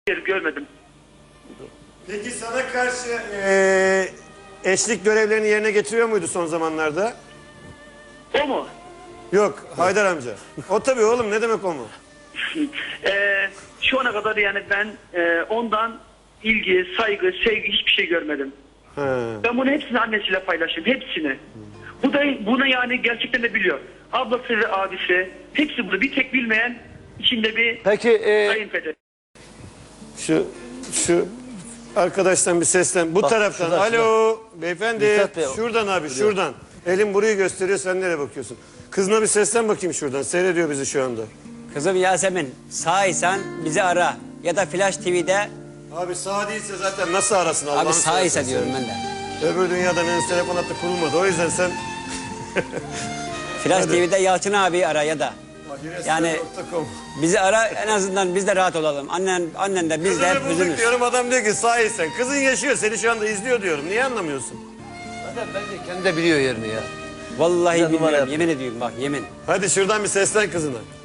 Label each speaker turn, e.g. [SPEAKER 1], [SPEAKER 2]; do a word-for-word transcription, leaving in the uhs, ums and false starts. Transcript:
[SPEAKER 1] görmedim.
[SPEAKER 2] Peki sana karşı eee, eşlik görevlerini yerine getiriyor muydu son zamanlarda?
[SPEAKER 1] O mu?
[SPEAKER 2] Yok, Haydar amca. O tabii oğlum, ne demek o mu?
[SPEAKER 1] Ee, şu ana kadar yani ben e, ondan ilgi, saygı, sevgi hiçbir şey görmedim.
[SPEAKER 2] He.
[SPEAKER 1] Ben bunu hepsini annesiyle paylaştım. Hepsini. Bu da bunu yani gerçekten de biliyor. Ablası ve abisi hepsi bunu. Bir tek bilmeyen içinde bir
[SPEAKER 3] Peki e,
[SPEAKER 1] kayınpeder.
[SPEAKER 2] Şu, şu arkadaştan bir seslen. Bu
[SPEAKER 3] Bak,
[SPEAKER 2] taraftan.
[SPEAKER 3] şurada,
[SPEAKER 2] Alo beyefendi.
[SPEAKER 3] Mithat Bey,
[SPEAKER 2] Şuradan abi, şuradan. Elim burayı gösteriyor, sen nereye bakıyorsun? Kızına bir seslen bakayım şuradan. Seyrediyor bizi şu anda.
[SPEAKER 4] Kızım Yasemin, sağysan bizi ara. Ya da Flash T V'de,
[SPEAKER 2] Abi sağ değilse zaten nasıl arasın Allah'ını
[SPEAKER 4] abi sağysa
[SPEAKER 2] seversen
[SPEAKER 4] diyorum
[SPEAKER 2] sen.
[SPEAKER 4] ben de.
[SPEAKER 2] Öbür dünyadan henüz telefon hattı kurulmadı. O yüzden sen...
[SPEAKER 4] Flash
[SPEAKER 2] Hadi.
[SPEAKER 4] T V'de Yalçın abi ara ya da. Yani bizi ara, en azından biz de rahat olalım. Annen, annen de biz de hep
[SPEAKER 2] Kızını bulduk
[SPEAKER 4] üzülürüz.
[SPEAKER 2] diyorum, adam diyor ki sahilsen. Kızın yaşıyor, seni şu anda izliyor diyorum. Niye anlamıyorsun?
[SPEAKER 3] zaten bence kendi de biliyor yerini ya.
[SPEAKER 4] Vallahi
[SPEAKER 3] Bize numara
[SPEAKER 4] bilmiyorum,
[SPEAKER 3] yapıyor.
[SPEAKER 4] yemin ediyorum bak, yemin.
[SPEAKER 2] Hadi şuradan bir seslen kızına.